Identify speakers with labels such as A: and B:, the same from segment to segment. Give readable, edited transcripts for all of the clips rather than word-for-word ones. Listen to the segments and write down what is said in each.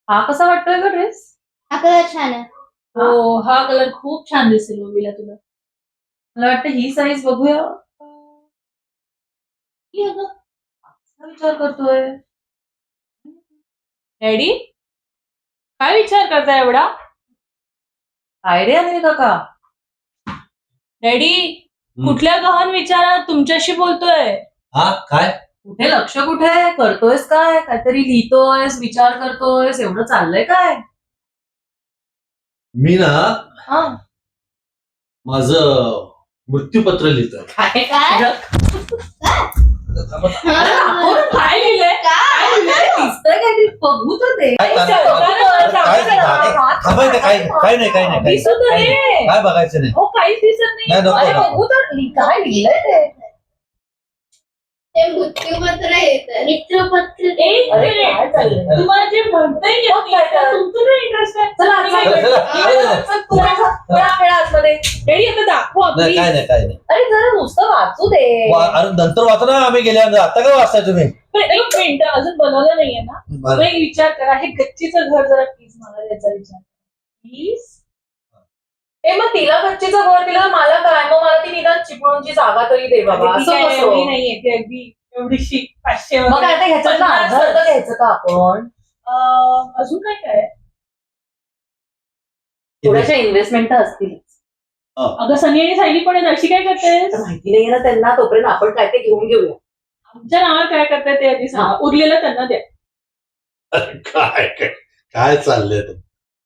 A: हा कसा वाटतोय ग ड्रेस?
B: हा कलर छान आहे.
C: हो, हा कलर खूप छान दिसेल मम्मीला तुला.
A: मला वाटतं ही साईज बघूया. ही अगं, असा विचार करतोय.
C: डॅडी काय विचार करताय एवढा?
A: काय रे अनिल काका?
C: डॅडी कुठल्या गहन विचारात तुमच्याशी बोलतोय?
D: हा काय
A: कुठे लक्ष कुठे करतोयस? काय काहीतरी लिहितोयस, विचार करतोयस, एवढं चाललंय काय?
D: मी ना
A: हा
D: माझं मृत्यूपत्र लिहितोय.
A: काय
B: काय?
A: अरे दाखव ना, काय लिहिलंय? काय लिहिलंय? दिसतंय काहीतरी, बघू तर दे.
D: काय थांबायचं काय नाही
A: दिसू तर दे.
D: काय बघायचं नाही.
A: हो, काहीच दिसत नाही.
D: नाही, नको,
A: अरे
D: नको.
A: बघू तर, काय लिहिलंय ते?
B: ते मृत्यूपत्र येतं. मृत्यूपत्र
C: एक
A: अरे
C: मिनिट.
A: काय चाललंय?
C: तुम्हाला जे म्हणताय येत नाही, त्यात तुमचं काय इंटरेस्ट आहे?
A: चला,
C: तुम्ही
A: चला,
C: काय
D: चला.
C: करता?
A: चल, तू खेळा आतमध्ये.
C: डॅडी आता दाखवा
D: नाही
C: please.
D: काय नाही
A: अरे जरा नुसतं वाचू दे.
D: अरे नंतर वाचा ना आम्ही गेल्यानंतर. आता काय वाचताय तुम्ही?
C: पण एक मिनिट अजून बनवलं नाहीये ना.
D: बरं.
C: एक विचार करा, हे गच्चीचं घर जरा प्लीज मला याचा विचार प्लीज.
A: ए मग तिला गच्चीचं घर दिलं तर मला काय? मग मला ती निदान चिपळूणची जागा तरी दे बाबा. असं कसं?
C: नाहीये ते अगदी एवढीशी 500
A: मग काय ते ह्याच्यात अर्ध अर्ध घ्यायचं का आपण?
C: अजून काय काय
A: थोड्याशा इन्व्हेस्टमेंट तर असतील.
C: अगं सनी आणि सायली पण आहेत, अशी काय करतेस?
A: माहिती नाहीये ना त्यांना, तोपर्यंत आपण काय ते घेऊन घेऊया.
C: आमच्या नावावर काय करताय ते आधी सांगा, उरलेलं त्यांना द्या.
D: अरे काय चाललंय ते?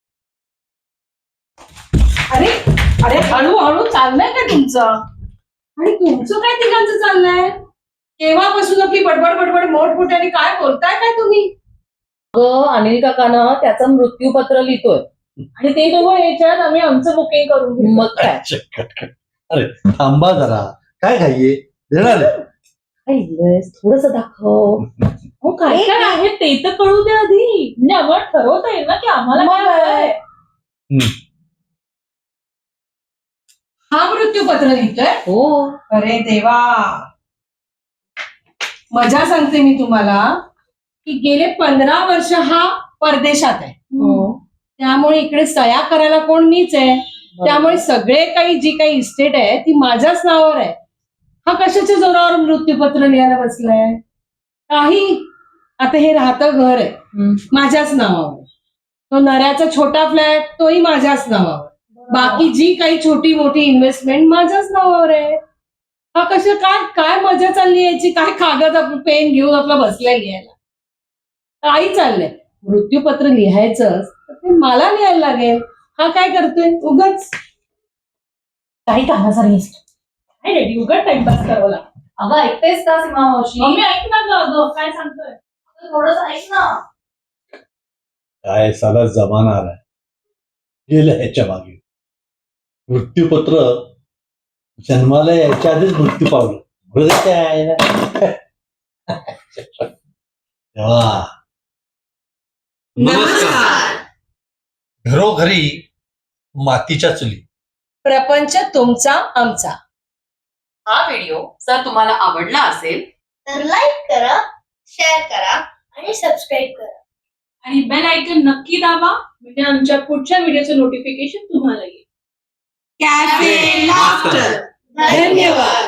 E: अरे अरे हळूहळू चाललंय का तुमचं? आणि तुमचं काय तिघांचं चाललंय? केव्हापासून आपली बडबड बडबड मोठमोठ्याने काय बोलताय काय तुम्ही?
A: अगं अनिल काकानं त्याचं मृत्यूपत्र लिहितोय.
C: आणि ते दोघं याच्यात आम्ही आमचं बुकिंग करून घेऊ.
A: मग काय?
D: अरे थांबा जरा. काय घाईये देणार आहे?
A: काय लिहिलंयस? थोडंसं दाखव.
C: हो काय काय आहे ते तर कळू दे आधी, म्हणजे आम्हाला ठरवता येईल ना की आम्हाला
A: मग
C: काय
A: काय?
C: हवंय.
E: हा मृत्यूपत्र लिहितोय?
A: हो.
E: अरे देवा, मजा सांगते मी तुम्हाला की गेले 15 वर्ष हा परदेशात आहे.
A: हो.
E: त्यामुळे इकडे सह्या करायला कोण मीच आहे. त्यामुळे सगळे काही जी काही इस्टेट आहे ती माझ्याच नावावर आहे. हा कशाच्या जोरावर मृत्यूपत्र लिहायला बसलाय? काही आता हे राहतं घर आहे माझ्याच नावावर. तो नऱ्याचा छोटा फ्लॅट तोही माझ्याच नावावर. बाकी जी काही छोटी मोठी इन्व्हेस्टमेंट माझ्याच नावावर आहे. हा कशा काय काय मजा चालली याची? काय कागद आपलं पेन घेऊन आपला बसलाय लिहायला? काही चाललंय. मृत्यूपत्र लिहायचं तर ते मला लिहायला लागेल. हा काय करतोय उगाच?
A: काही कामाचा नाही.
C: काय डॅडी उघड टाइमपास करावं लागतं.
A: अगं ऐकतेस का सीमा मावशी?
C: मम्मी ऐक ना गं, अगं काय सांगतोय?
A: थोडंसं ऐक ना.
D: काय साला जमाना आलाय. गेलं ह्याच्या मागे. मृत्यूपत्र जन्माला यायच्या आधीच मृत्यू पावलं. बरं काय ना? तेव्हा
E: नमस्कार.
D: घरोघरी मातीच्या चुली.
E: प्रपंच तुमचा आमचा.
A: हा व्हिडिओ जर तुम्हाला आवडला असेल
B: तर लाईक करा, शेअर करा आणि सबस्क्राईब करा.
C: आणि बेल आयकन नक्की दाबा, म्हणजे आमच्या पुढच्या व्हिडिओचं नोटिफिकेशन तुम्हाला येईल.
E: Cafe laughter. धन्यवाद.